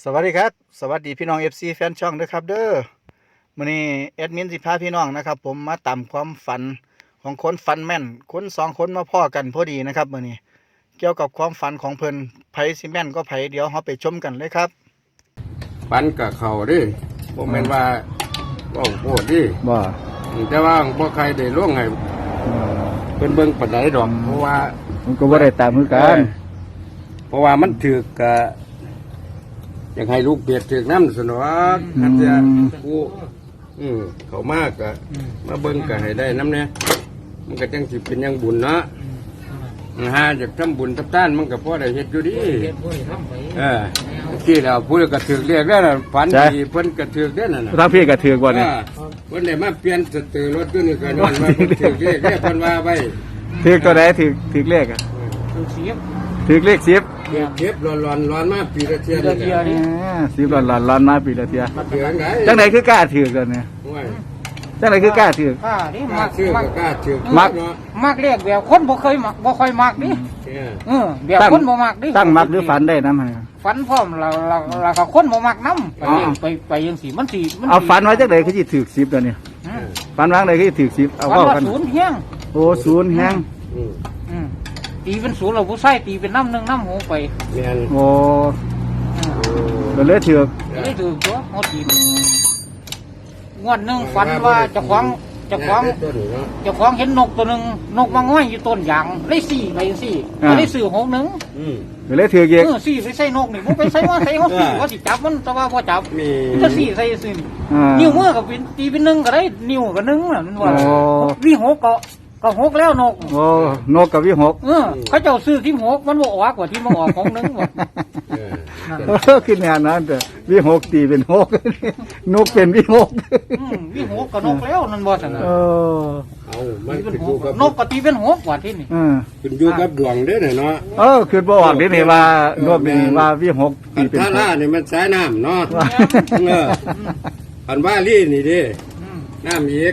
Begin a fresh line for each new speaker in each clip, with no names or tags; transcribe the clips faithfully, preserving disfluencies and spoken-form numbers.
วัสดีครับสวัสดีพี่น้อง เอฟ ซี แฟนช่องด้วยครับเด้อมื้อนี้แอดมินสิพาพี่น้องนะครับผมมาตามความฝันของคนฝันแม่นคนสองคนมาพ้อกันพอดีนะครับมื้อนี้เกี่ยวกับความฝันของเพิ่นไผสิแม่นก็ไผเดี๋ยวเราไปชมกันเลยครับ
ฝันกับเขาดิบ่แม่นว่าบ่โหดดิ
บ่
แต่ว่าบ่ใครได้ล่วงให้เพิ่นเบิ่งปานใดดอกเพราะว่า
มันก็บ่ได้ตามคือกัน
เพราะว่ามันถือกกะอยากให้ลูกเปียกถือกน้ำสนอกคันจะกูอืมเขามากกะมาเบิ่งกะให้ได้น้ำเนี่ยมันก็จังสิเป็นยังบุญเนาะหาจากทำบุญทับต้านมันก็พอได้เฮ็ดอยู่ดีเออที่เราพูดก็ถือเรียกได้ล่ะฝันดีเพิ่นก็ถือได้นั่นน่ะ
ทางพี่ก็ถือบ่เนี่ย
เพิ่นได้มาเปลี่ยนสตือรถอยู่นี่ก็ย้อนว่าเพิ่นถือเรียกได้เพิ่นว่าไว้
ถือตัวใดถือถือเลขอ่ะถือสิบถือเลขสิบ
เก็บร้อนร้อนร้อนมาปีละเทียนี่
สิบร้อนร้อนร้อนมาปีละเทียจังไหนคือกล้าถือกันเนี่ยจังไหนคือกล้าถือก
ล้าดิมัก
ชื่อก็กล้าถือ
มัก
มักเรียกแบบคนบ่เคยมักบ่ค่อยมักดิเออแบบคนบ่มักดิ
ตั้งมักหรือฝันได้นำ
ฝันพร้อมเราเราเราก็คนบ่มักนำไปไปไปจังซี่มันสิมัน
เอาฝันไว้จังได๋คือสิถือสิบตัวเนี่ยฝันวางได๋คือสิถือสิบเอาเว้ากัน
ศูนย์แฮง
โอ้ศูนย์แฮง
อืมตีเป็นศูนย์เราผู้ใส่ตีเป็นน้ำหนึ่งน้ำหูไป
แม่น
โอ้ก็เลยถือ
เลยถือตัวเขาตีงวดหนึ่งฝันว่าเจ้าของเจ้าของเจ้าของเห็นนกตัวหนึ่งนกมาง่อยอยู่ต้นยางเลยสี่ไปสี่ก็เลยสื่อหกหนึ่ง
ก็เลยถือเยอะ
สี่ไปใส่นกนี่มันไปใส่ว่าใส่เขาสี่ว่าสิจับมันแต่ว่าพอจับจะสี่ใส่สี่นิ้วมือกับตีเป็นหนึ่งก็ได้นิ้วกับหนึ่งน่ะมันว่าวิหกก็ก็หกแล้วนก
โอ้นกกับวิหก
เออเขาเจ้าซื้อที่หกมันบอกว่ากว่าที่มาออกของนึงหมด
ขึ้นงานนั้นแต่วิหกตีเป็นหกนกเป็นวิหก
วิหกกับนกแล้วนั่นบ่สัน
เออ
เอามันขึ้นอยู่กับ
นกก็ตีเป็นหกกว่าที่นี่
ขึ้นอยู่กับดวงเด้อเนาะ
เออขึ้นบ่ออกนี่ว่านกนี่ว่าวิหก
ตีเป็นท่าล่านี่มันสายน้ำเนาะเอออันว่าลี่นี่ดิน้ำอีก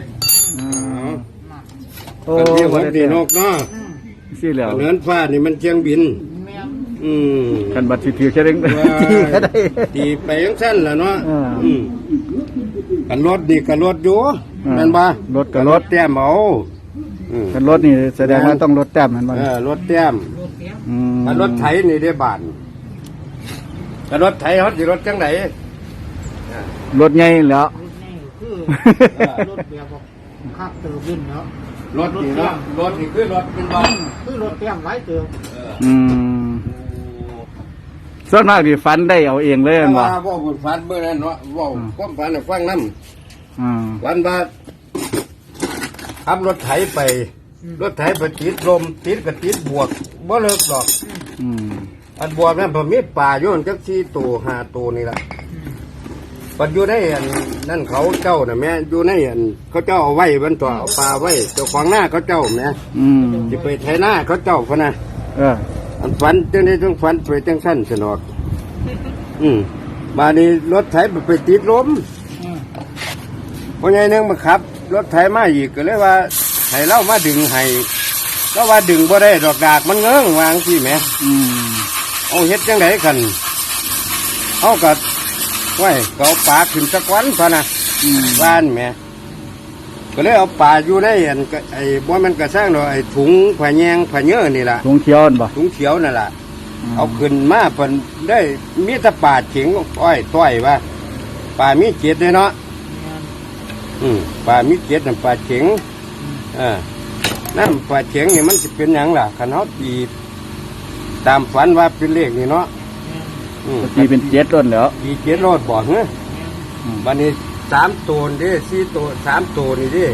โอ้
ที่หกดีนกเนาะ
สิแล้ว
เนื้อฟ้านี่มันเชียงบินอืม
กันบัดสิถือแค่เด้ง
ตีก็ได้ตีไปยังสั้นแหละเนาะอืมกันรถดีกันรถอยู่นั่นบ่
รถกับรถ
แต้มเอา
กันรถนี่แสดงว่าต้องรถแต้มมันบ่
เออรถแต้มอืมกันรถไถนี่ได้บาทกันรถไถเขาสิรถจังไหน
รถใหญ่แล้ว
รถแบบคักเติมบินเนาะ
รถนี่เนาะรถนี่คือรถเป็นบ้าน
คือรถเตรียมไว้เติม
อืมส่วนมากที่ฝันได้เอาเองเลย
ว่าว่าผมฝันเมื่อนั้นเนาะว่าความฝันฟังน้ำวันบาทขับรถไถไปรถไถไปติดลมติดกับติดบวกบ่เลิกดอกอันบวกนั้นผมมีป่าโยนจักสี่ตัวห้าตัวนี่แหละปัจจุบันได้อันนั่นเขาเจ้าน่ะแม่อยู่ในอันเขาเจ้าเอาไว้บรรตัวเอาปลาไว้เจ้าของหน้าเขาเจ้าแม่จะไปไถหน้าเขาเจ้าพนะอันฝันจังได้ต้องฝันไปจังสั้นสนอกอืมมานี่รถไถไปติดลมเพราะไงนึงมาขับรถไถมาอีกก็เลยว่าไถเล่ามาดึงให้ก็ว่าดึงบ่ได้ดอกดากมันเงื้องวางที่แม่เอาเฮ็ดจังไดกันเอากัดไว้ก็เอาปลาขึ้นสักวันพอนะบ้านแม่ก็เลยเอาปลาอยู่ในอันไอ้บ่มันกระสร้างเนาะไอ้ถุงผ้าแยงผ้าเนื้อนี่ล่ะ
ถุงเขียวบ่
ถุงเขียวนั่นล่ะเอาขึ้นมาเพิ่นได้มีแต่ปลาเข็งอ้อยต้อยว่าปลามีเกล็ดเลยเนาะอืมปลามีเกล็ดนั่นปลาเข็งอ่านั่นปลาเข็งนี่มันสิเป็นหยังล่ะคันเฮาตีตามฝันว่าเป็นเลขนี่เนาะ
ตีเป็นเจ็ดรถแล้ว
ตีเจ็ดรถบ่เฮ้ยวันนี้สามตัวนี่สี่ตัวสามตัวนี่ดิ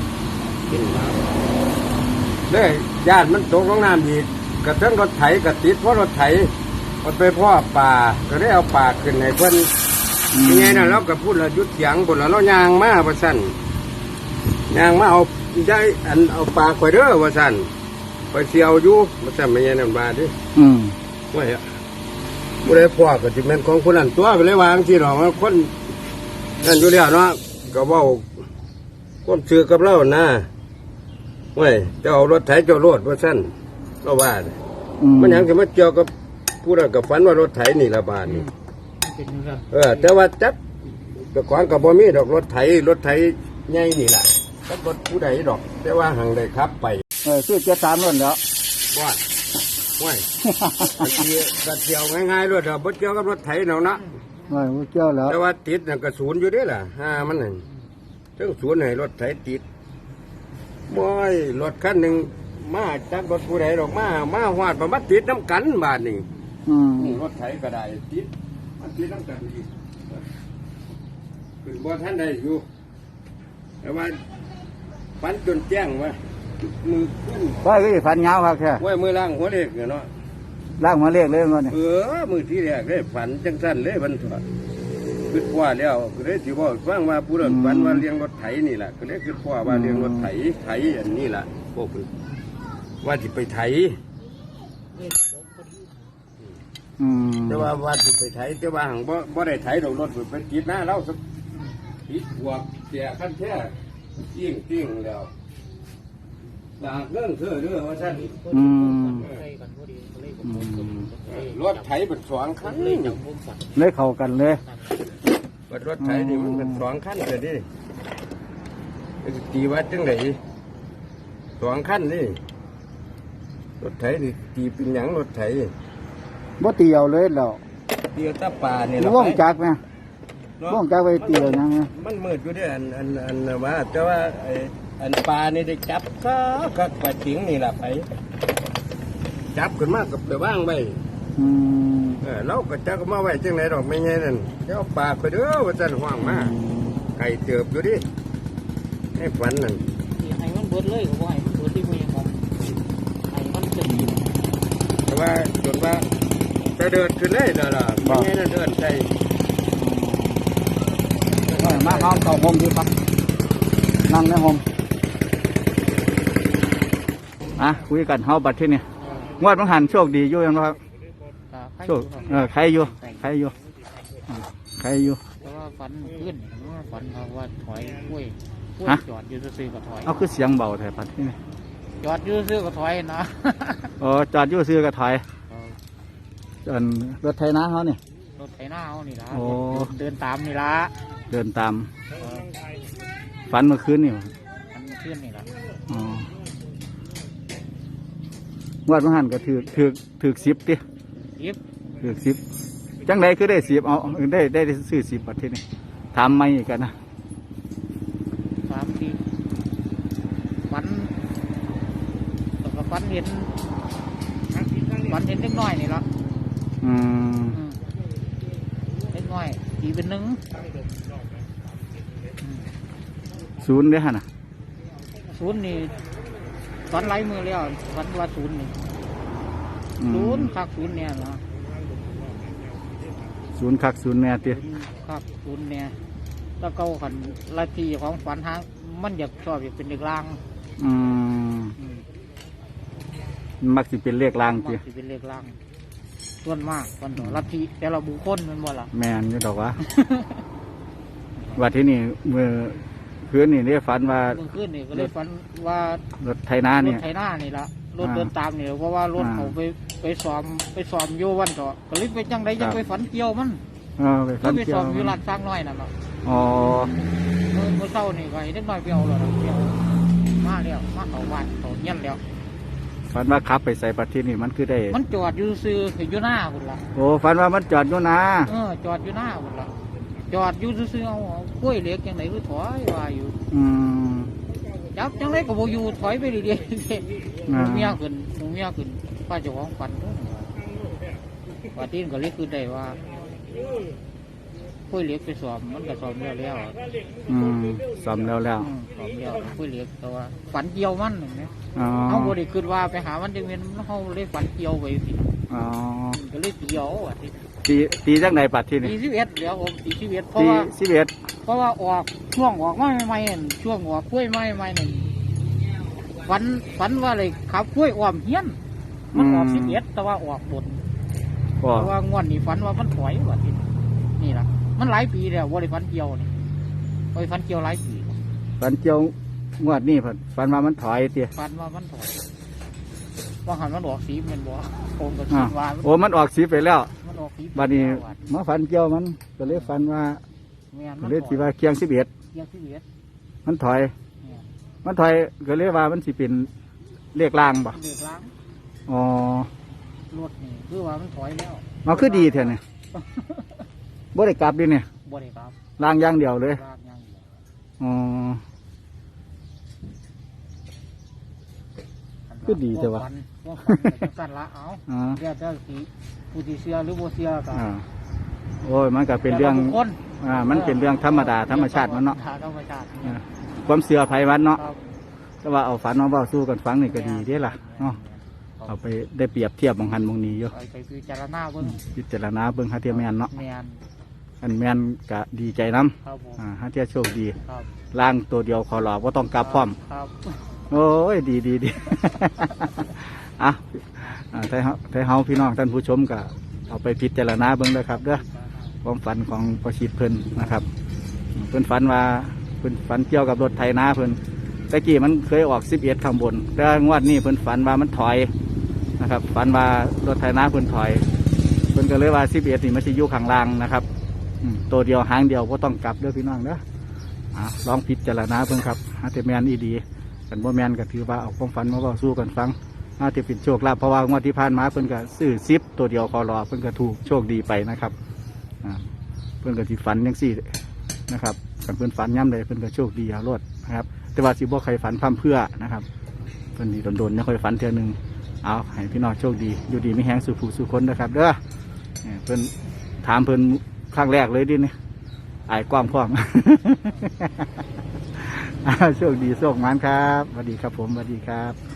เลยญาติมันตกลงน้ำอีกกระทั่งรถไถกระติดเพราะรถไถมันไปพ่อป่าก็ได้เอาป่าขึ้นให้เพิ่นยังไงนะเราก็พูดเรายุดเสียงบนเราเรายางมาว่าสั่นยางมาเอาได้อันเอาป่าข่อยเด้อว่าสั่นข่อยเสียวอยู่ว่าสั่นไม่ใช่นั่นบาดิ
อืม
ว่าผู้ใดพ่อก็จะเป็นของคนนั้นตัวไปเลยวางที่หรอกคนนั่นอยู่แล้วเนาะก็ว่าคนซื้อกับเรานะเว้ยจะเอารถไถเจ้ารถว่าสั้นเราว่ามันยังจะมาเกี่ยวกับผู้นั้นกับฝันว่ารถไถนี่ละบาทนี่
เป็นเรื่อง
เออแต่ว่าจับแต่ก่อนก็บ่มีดอกรถไถรถไถใหญ่นี่แหละจับรถผู้ใดดอก แต่ว่าหังได้ขับไป
เออซื้อเจ็ดสามล้วนแล้ว
บ้านห้วยบัดเดียวบัดเดียวง่ายๆรถเดียวบ่เกี่ยวกับรถไถเนาะนะ
ไม่บ่เกี่ยวแล้ว
แต่ว่าติดน่ะก็ศูนย์อยู่เด้ล่ะห้ามันน่ะถึงศูนย์ให้รถไถติดบ่อยรถคันหนึงมาจักรถผู้ใดดอกมามาฮอดบ่มาติดน้ำกันบาดนี้
อืม
นี่รถไถก็ได้ติดมันติดน้ำกันอีกคือบ่ทันได้อยู่แต่ว่าฝันจนแจ้งว่ามือขึ้น
ว่าก็สิฟันยาวครับแค่
ไว้มือล่างหัวเล็กเนาะ
ล่างหัวเลขเลยมันนี่
เออมือที่แรกเลยฝันจังสั้นเลยมันถอดคิดว่าแล้วก็เลยสิบอกฟังว่าผู้นั้นฝันว่าเลี้ยงรถไถนี่แหละก็เลยคิดว่าว่าเลี้ยงรถไถไถอันนี้แหละพวกนี้ว่าที่ไปไถ
อืม
แต่ว่าว่าที่ไปไถแต่ว่าหังบ่บ่ได้ไถดอกรถไปติดหน้าเราสักติดหัวเสียขั้นแท้ยิ่งติ้งแล้วต่างเรื่องเธอเรื่องว่าท่าน
อืม
รถไถเป็นสองคัน
เลยเข้ากันเลย
รถไถนี่มันเป็นสองคันเลยดิตีวัดจังไหนสองคันนี่รถไถนี่ตีเป็นหยังรถไถ
บ่ตีเอาเลยแล้ว
เดียวตาป่านี่
ว่องจักไหมว่องจักไปตีเอายังไง
มันมืดอยู่ด้วยอันอันอันว่าแต่ว่าไอ้อันปลานี่ได้จับก็ก็ปลาจิงนี่แหละไปจับขึ้นมากับไปว่างไว้
อืม
เออเราก็จักมาไว้จังไหนดอกไม่ไงนั่นเจ้าปลาไปเด้อว่าจันห่วงมาไก่เติบอยู่ดิให้ฝันนั่น
ให้มันเบิดเลยก็บ่ให้มันเบิดที่มือของให้มันจะดี
แต่ว่าจนว่าจะเดินขึ้นเลยเด้อล่ะไม่ไงนั่นเดินใจ
มาเอาเข้าห้องดีครับนั่งในห้องอ่ะคุยกันเฮาบัดที่นี่งวดมันหันโชคดีอยู่ยังครับโชคเออใครอยู่ใครอยู่อ่าใครอยู่
เพราะว่าฝันขึ้นว่าฝันเขาว่าถอยกล้วยกล้วย
ฮะ
จอดอยู่ซื่อๆก็ถอย
เอาคือเสียงเบาแท้บัดที่นี่
จอดอยู่ซื่อๆก็ถอยนะ
อ๋อจอดอยู่ซื้อกระถอยจนรถไถนาเขานี่
รถไถนาเอานี่ละ
โอ้
เดินตามนี่ละ
เดินตามฝันเมื่อคืนนี่
มันขึ้นนี่ละ
อ๋อ งวดมันหันก็ถือถือถือสิบติ
ยิบ
ถือสิบจังไดคือได้สิบเอาได้ได้ได้ซื้อสิบประเทศนี้ถามไม่กันนะ
สามทีฝันแล้วก็ฝันเห็นฝันเห็นเล็กน้อยนี่ละ
อืม
อืมเล็กน้อยตีเป็นหนึ่ง
ศูนย์เด้อฮะนะ
ศูนย์นี่ฝันไล่มือแล้วฝันว่าศูนย์นี่
อืม
ศูนย์คักศูนย์เนี่ยนะ
ศูนย์คักศูนย์แน่ติ
ศูนย์คักศูนย์เนี่ยแล้วก็ขันลัทธิของฝันหางมันอยากชอบอยากเป็นเด็กลาง
อืม
อืม
มักสิเป็นเลขลาง
มั
ติ
กสิเป็นเด็กลางส่วนมากคนต่อลัทธิแต่ละบุคคลมันบ่ล่ะ
แมนอยู่ดอกวะ ว่าที่นี่เมื่อคืนนี่ได้ฝันว่า
เมื่อคืนนี่ก็เลยฝันว่าร
ถไถนาร นี่
ถไถนานี่ละรถ
อ่า
เดินตามนี่เพราะว่ารถ
อ่า
เขาไปไปซ้อมไปซ้อมโยวันต่อก็เลยไปจังไดจัง
ครับ
ไปฝันเกี่ยวมัน
เออไป
ก็
ฝัน
ไป
เกี่ย
ซ้
ว
อมอยู่ลาดสร้างน้อยนั่นแหละ
อ๋อ
เมื่อเมื่อเช้านี่ก็ให้เด็กน้อยไปเอาแล้วล่ะไปเอามาแล้วมาเขาบ้านเขาเงี้ยนแล้ว
ฝันว่าขับไปใส่ประเทศนี่มันคือได้
มันจอดอยู่ซื้ออยู่หน้าคุณล่ะ
โอ้ฝันว่ามันจอดอยู่นะ
เออจอดอยู่หน้าคุณล่ะจอดอยู่ซื้อๆเอาเอากล้วยเหล็กยังไงคือถอยว่าอยู่
อืม
จับจังไรก็บอยู่ถอยไปเรื่อยๆห
อ่า
มูเมียขึ้นหมูเมียขึ้นป้าเจ้าของฝันเด้อว่าที่นก็เลยคือได้ว่ากล้วยเหล็กไปสอบมันก็สอบแล้วแล้ว
อืมซ่อมแล้วแล้ว
อืมสอบแล้วกล้วยเหล็กแต่ว่าฝันเกี่ยวมันเห็นไหม
อ๋อ
เขาบริคือว่าไปหามันจังเว้นเขาเลยฝันเกี่ยวไปสิ
อ๋อ
ก็เลยเกี่ยวอ่ะที่
ตีตีจังไหนปัดที่นี่
สี่สิบเอ็ดเดี๋ยวผมสี่สิบเอ็ดเพราะ
ตี
ว่า
สิบเอ็ด
เพราะว่าออกช่วงออกไม้ใหม่ๆนั่นช่วงออกกล้วยไม้ใหม่ๆนั่นฝันฝันว่าเลยขับกล้วยอ้อมเฮียน มันออกสิบเอ็ดแต่ว่าออกบน
ก็
แต่ว่างวดนี้ฝันว่ามันถอยว่าที่นี่ล่ะมันหลายปีแล้วว่าได้ฝันเกี่ยวนี่ว่าได้ฝันเกี่ยวหลายปี
ฝันเจียวงวดนี่ฝันฝันว่ามันถอยเตี้ย
ฝันว่ามันถอยว่าหันมันออกสีมันบ่โคงกับ
อ่า
สีว่า
โอ้มันออกสีไปแล้ว
มันมันออกสี
บัดนี้มาฝันเกี่ยวมันก็เลยฝันว่า
แม่น
ก็
มัน
เลยสิว่าเคียงสิบเอ็ด
เกียงสิบเอ็ด
มันถอย
แม่น
มันถอยก็เลยว่ามันสิเป็นเลขล่างบ่
เดือดล้าง
อ๋อ
รถนี่คือว่ามันถอยแล้ว
มันคือดีแท้เนี่ยบ่ได้กลับดิเนี่ย
บ่ได้ครับ
ล่างอย่างเดียวเลย
ลากอย่างเดียว
อ๋อ คือดีแต่ว่า
ฝันว่าฝันแต่กันละเอา
อ๋อ
เดี๋ยวจะสีผู้ที่เชื่อหรือบ่เชื่อก็
อ่าโอ้ยมันก็เป็นเรื่อง
แต่ละบุคคล
อ่ามันเป็นเรื่องธรรมดาธรรมชาติมันเนาะ
ธรรมชาติ
อ่าความเสื่อภัยวันเนาะ
ครับ
แต่ว่าเอาฝันมาเว้าสู้กันฟังนี่ก็ดีเด้ล่ะเนาะเอาไปได้เปรียบเทียบบางหันบางนี้อยู่
ไปไปพิจารณาเบิ่ง
พิจารณาเบิ่งหาเทียแม่นเนาะ
แม่น
อันแม่นก็ดีใจนํ
ครับผม
อ่าหาเทียโชคดี
ครับ
ล่างตัวเดียวขอรอบ่ต้องกลับพร้อม
ครับ
โอ้ยดีดีดี อ่ะอ่าไทยเฮาไทยเฮาพี่น้องท่านผู้ชมก็เอาไปพิจารณาเบิ่งเด้อครับเด้อความฝันของประชิดเพิ่นนะครับ เพิ่นฝันว่าเพิ่นฝันเกี่ยวกับรถไถนาเพิ่นตะกี้มันเคยออกสิบเอ็ดข้างบนแต่งวดนี้เพิ่นฝันว่ามันถอยนะครับฝันว่ารถไถนาเพิ่นถอยเพิ่นก็เลยว่าสิบเอ็ดนี่มันสิอยู่ข้างล่างนะครับอืมตัวเดียวหางเดียวก็ต้องกลับเด้อพี่น้องเด้ออ่ะลองพิจารณาเพิ่นครับหาแต่แม่นอีดีกันบ่แม่นก็ถือว่าเอาความฝันมาเว้าสู้กันฟังน่าจะเป็นโชคลาภเพราะว่างวดที่ผ่านมาเพิ่นก็ซื้อซิปตัวเดียวคอรอเพิ่นก็ถูกโชคดีไปนะครับอ่าเพิ่นก็สิฝันจังซี่นะครับกันเพิ่นฝันย่ำเลยเพิ่นก็โชคดีเอารถนะครับแต่ว่าสิบ่ใครฝันพร่ำเพื่อนะครับเพิ่นนี่โดนๆยังค่อยฝันเทื่อนึงเอาให้พี่น้องโชคดีอยู่ดีไม่แห้งสู่ผู้สู่คนนะครับเด้อเนี่ยเพิ่นถามเพิ่นครั้งแรกเลยดิเนี่ยอายกว้างพร้อม อ่าโชคดีโชคหมานครับสวัสดีครับผมสวัสดีครับ